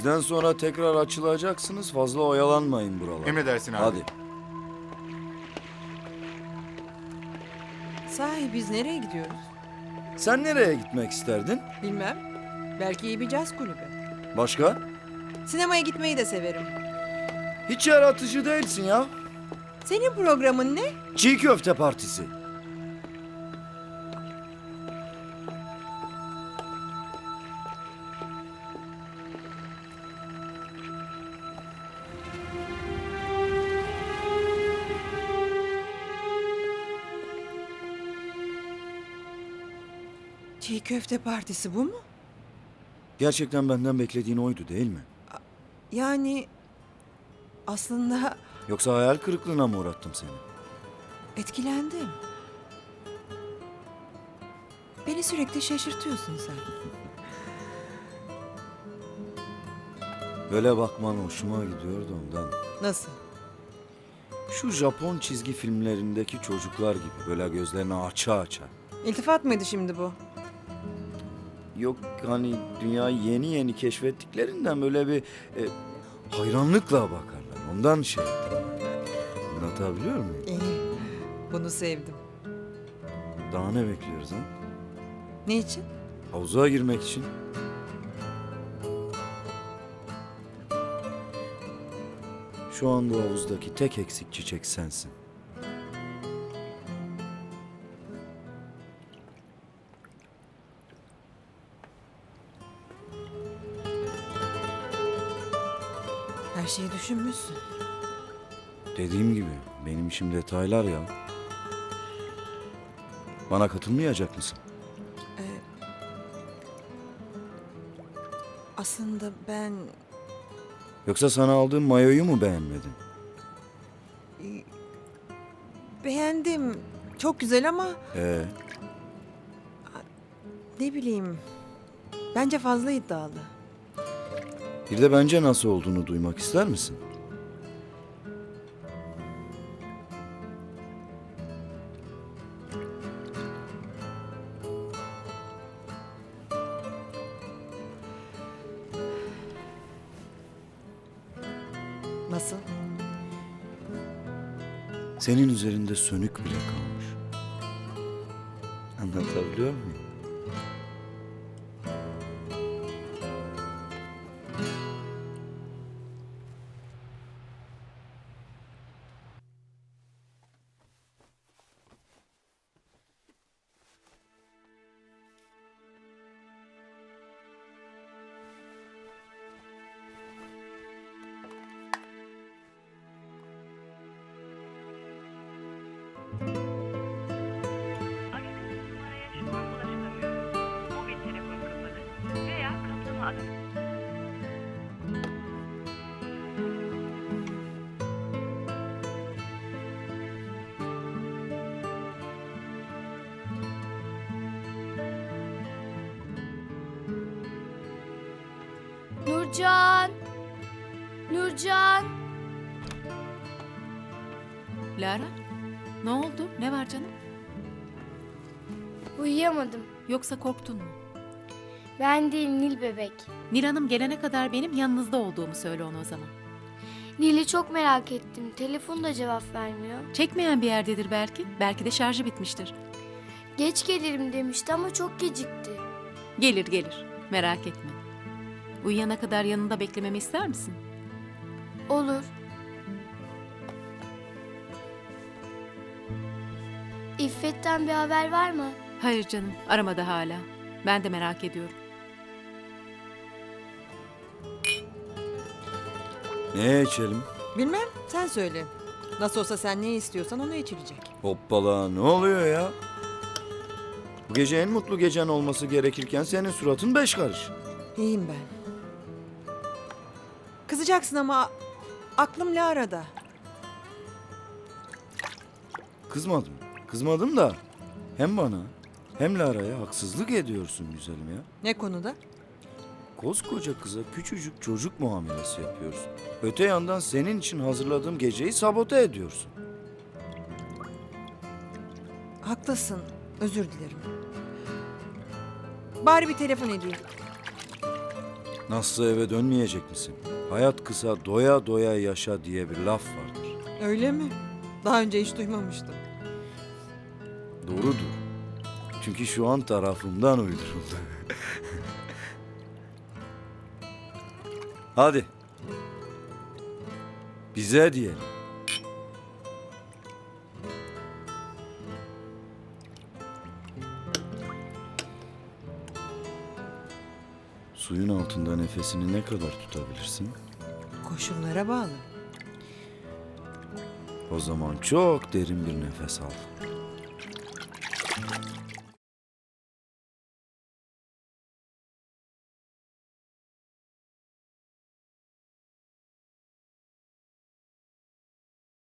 Bizden sonra tekrar açılacaksınız. Fazla oyalanmayın buralar. Emredersin abi. Hadi. Sahi biz nereye gidiyoruz? Sen nereye gitmek isterdin? Bilmem. Belki iyi bir caz kulübü. Başka? Sinemaya gitmeyi de severim. Hiç yaratıcı değilsin ya. Senin programın ne? Çiğ köfte partisi. Çiğ köfte partisi bu mu? Gerçekten benden beklediğin oydu değil mi? Yani aslında Yoksa hayal kırıklığına mı uğrattım seni? etkilendim. Beni sürekli şaşırtıyorsun sen. Böyle bakman hoşuma gidiyordu ondan. Nasıl? Şu Japon çizgi filmlerindeki çocuklar gibi böyle gözlerini aça aça. İltifat mıydı şimdi bu? Yok hani dünyayı yeni yeni keşfettiklerinden böyle bir hayranlıkla bakarlar. Ondan şey ettim. Anlatabiliyor muyum? İyi. Bunu sevdim. Daha ne bekliyoruz ha? Ne için? Havuza girmek için. Şu anda o havuzdaki tek eksik çiçek sensin. Her şeyi düşünmüşsün. Dediğim gibi benim işim detaylar ya. Bana katılmayacak mısın? Aslında ben Yoksa sana aldığım mayoyu mu beğenmedin? beğendim. Çok güzel ama Ee, ne bileyim. Bence fazla iddialı. bir de bence nasıl olduğunu duymak ister misin? Nasıl? Senin üzerinde sönük bile kalmış. Anlatabiliyor muyum? Aradığınız numaraya şu an ulaşılamıyor. Mobil telefon kapalı veya kaplama alanı. Nurcan! Nurcan! Lara, ne oldu? Ne var canım? Uyuyamadım. Yoksa korktun mu? Ben değil Nil bebek. Nil Hanım gelene kadar benim yanınızda olduğumu söyle ona o zaman. Nil'i çok merak ettim. Telefon da cevap vermiyor. Çekmeyen bir yerdedir belki. Belki de şarjı bitmiştir. Geç gelirim demişti ama çok gecikti. Gelir gelir. Merak etme. Uyuyana kadar yanında beklememi ister misin? Olur. İffet'ten bir haber var mı? Hayır canım, aramadı hala. Ben de merak ediyorum. Ne içelim? Bilmem. Sen söyle. Nasıl olsa sen ne istiyorsan onu içilecek. Hoppala ne oluyor ya? Bu gece en mutlu gecen olması gerekirken senin suratın beş karış. İyiyim ben. Kızacaksın ama aklım Lara'da. Kızmadım. Kızmadım da hem bana hem Lara'ya haksızlık ediyorsun güzelim ya. Ne konuda? Koskoca kıza küçücük çocuk muamelesi yapıyorsun. Öte yandan senin için hazırladığım geceyi sabote ediyorsun. Haklısın. Özür dilerim. Bari bir telefon edeyim. Nasılsa eve dönmeyecek misin? Hayat kısa, doya doya yaşa diye bir laf vardır. Öyle mi? Daha önce hiç duymamıştım. Doğrudur. Çünkü şu an tarafımdan uyduruldu. Hadi. Bize diyelim. Suyun altında nefesini ne kadar tutabilirsin? Koşullara bağlı. O zaman çok derin bir nefes al.